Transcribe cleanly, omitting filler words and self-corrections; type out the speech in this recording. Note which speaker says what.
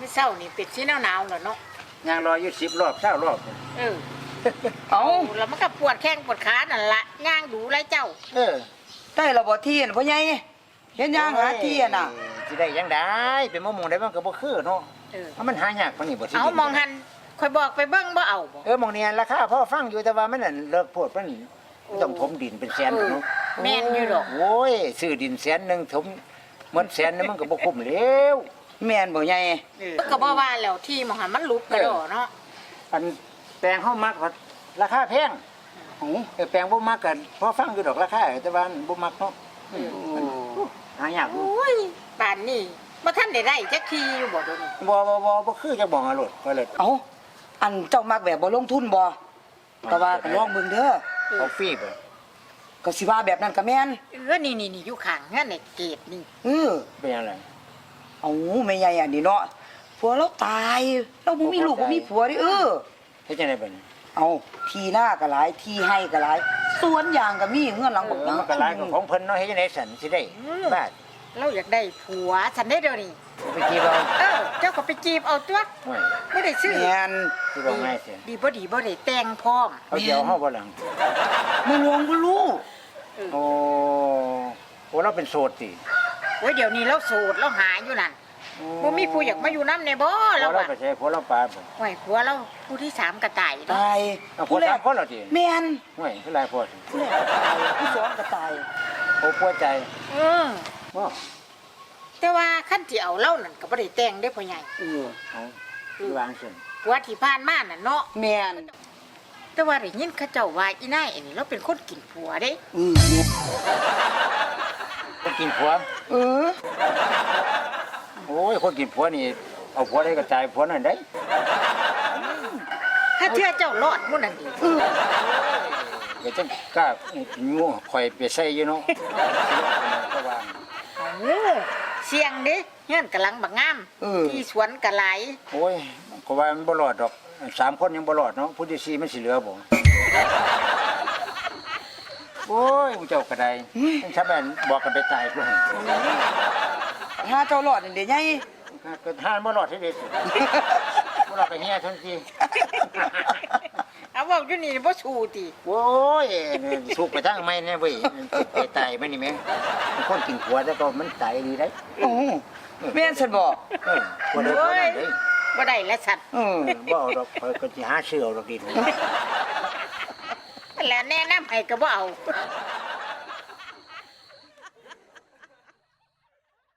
Speaker 1: มื้อเช้านี่เป็ดสีหนาวๆแล้วเนาะ
Speaker 2: ย่างรออยู่10 รอบ20 รอบ
Speaker 1: เออ
Speaker 3: เอา
Speaker 1: แล้วมันก็ปวดแข้งปวดขานั่นละย่างดูไรเจ้า
Speaker 2: เออ
Speaker 3: ได้ระบ่ที่น่ะพ่อใหญ่เห็นย่างหาที่น่ะ
Speaker 2: สิได้ยังได้เป็นมะม่วงได้มันก็บ่คือเนาะ
Speaker 1: เออ
Speaker 2: เพราะมันหายากปานนี้บ่สิ
Speaker 1: เอามองหันคอยบอกไปเบิ่งบ่เอาบ่
Speaker 2: มองเนี่ยราคาพอฟังอยู่แต่ว่ามันนั่นเลิกโพดมันต้องถมดินเป็นแสนเนาะ
Speaker 1: แม่นอยู่ดอก
Speaker 2: โอ้ยซื้อดินแสนหนึงถมหมดแสนนึงมันก็บ่คุ้มแล้ว
Speaker 3: แม่นบ่ใหญ่
Speaker 1: ก็บ่ว่าแล้วที่มองหันมันลุกกระโดดเนาะ
Speaker 2: อันแปลงเฮามักก็ราคาแพงแปลงบ่มักก็พอฟังอยู่ดอกราคาแต่ว่าบ่มักเนาะหายากอยู่
Speaker 1: โอ้ยป่านนี้บ่ทันได้ได้จักทีอยู่บ่เดี๋ยวนี้
Speaker 2: บ่คือจะบอกอรดก็เลย
Speaker 3: เอาอันเจ้ามักแบบบ่ลงทุนบ่ก็ว่าก็ลองเบิ่งเด้อ
Speaker 2: เอาฟรีบ่
Speaker 3: ก็สิว่าแบบนั้นก็แม่น
Speaker 1: นี่อยู่ข้างเฮือนในเกตนี่
Speaker 3: เออ
Speaker 2: เป็นยังไง
Speaker 3: เอาแม่ใหญ่อันนี้เนาะผัวเราตายเราบ่มีลูกบ่มีผัวดิเออ
Speaker 2: เฮ็ดจังได๋บัดนี้
Speaker 3: เอาทีหน้าก็หลายทีให้ก็หลายสวนยางก็มีเฮือนหลังบัก
Speaker 2: มันก็หลายของเพิ่นเนาะเฮ็ดจังได๋สั่นสิได้บาด
Speaker 1: เราอยากได้ผัวฉันได้เดี๋ยวนี้
Speaker 2: ไปจีบเอา
Speaker 1: เจ้าก็ไปจีบเอาตัว
Speaker 2: โอ้ย
Speaker 1: ไม่ได้ซื้อ
Speaker 3: แม่น
Speaker 2: สิบอกง่ายสิ
Speaker 1: ดีบ่ได้แต่งพร้อม
Speaker 2: เอาเดี๋ยวเฮาบ่หลัง
Speaker 3: บ่ลวงบ่รู้
Speaker 2: โอ้เราเป็นโสดติ
Speaker 1: โอ้ยเดี๋ยวนี้เราโสดเราหาอยู่นั่นบ่มีผู้อยากมาอยู่นำในบ่
Speaker 2: เรา
Speaker 1: เรา
Speaker 2: เรา
Speaker 1: ว่า
Speaker 2: ไปใช้ผัวเราปลาบ่
Speaker 1: โอ้ยผัวเราผู้ที่3ก็ตายเนาะ
Speaker 3: ตาย
Speaker 2: เอาผัว3คนเหรอติ
Speaker 3: แม่น
Speaker 2: โอ้ยคือหลายผัวสิ
Speaker 3: ผู้แรกก็ตายผู้สองก็ตาย
Speaker 2: โอ้ผัวใจ
Speaker 1: อือ
Speaker 2: บ่
Speaker 1: แต่ว่าคันที่เอาเล่านั่นก็บ่ได้แต่งได้พ่อใหญ่
Speaker 3: เออ
Speaker 2: เอาคือวางซั่น
Speaker 1: ผัวที่ผ่านมาน่ะเนาะ
Speaker 3: แม่น
Speaker 1: แต่ว่าได้ยินเขาเจ้าว่าอีนายอันนี้เราเป็นคนกินผัวเด้
Speaker 3: เออแม่น
Speaker 2: คนกินผัว
Speaker 3: เออ
Speaker 2: โอ้ยคนกินผัวนี่เอาผัวได้ก็ตายผัวนั่นได้
Speaker 1: ถ้าเชื่อเจ้ารอดมื้อนั้นดี
Speaker 2: เดี๋ยวจังกล้างูข่อยไปใส่อยู่เนาะก็ว่า
Speaker 1: โอ้เสียงเด้เฮือนกำลังบักงาม
Speaker 3: เออ
Speaker 1: ที่สวนก็หลาย
Speaker 2: โอ้ยก็ว่ามันบ่รอดดอก3คนยังบ่รอดเนาะผู้ที่4มันสิเหลือบ่โอ้ยผู้เจ้าก็ได้ชาวบ้านบอกกันไปตายพุ่น
Speaker 3: ถ้าเจ้ารอดนี่เด้ใหญ่
Speaker 2: ก็ทานบ่รอดที่เด็ดบ่รอดก็เฮียทันที
Speaker 1: เอาเว้าอยู่นี่บ่สู้ติ
Speaker 2: โอ้ยสุกไปทางไม่แน่เว้ยไปตายมันนี่แม่คนกินผัวแล้วก็มันตายดีได้
Speaker 3: โอ้แม่นซั่นบ่
Speaker 2: ผัวเด้อผัวนั่นเด้
Speaker 1: บ่ได้และสัตว์
Speaker 3: เออ
Speaker 2: บ่เอาดอกข่อยก็สิหาเสื้อเอาดอกดิน
Speaker 1: แล้วแนะนำให้ก็บ่เอา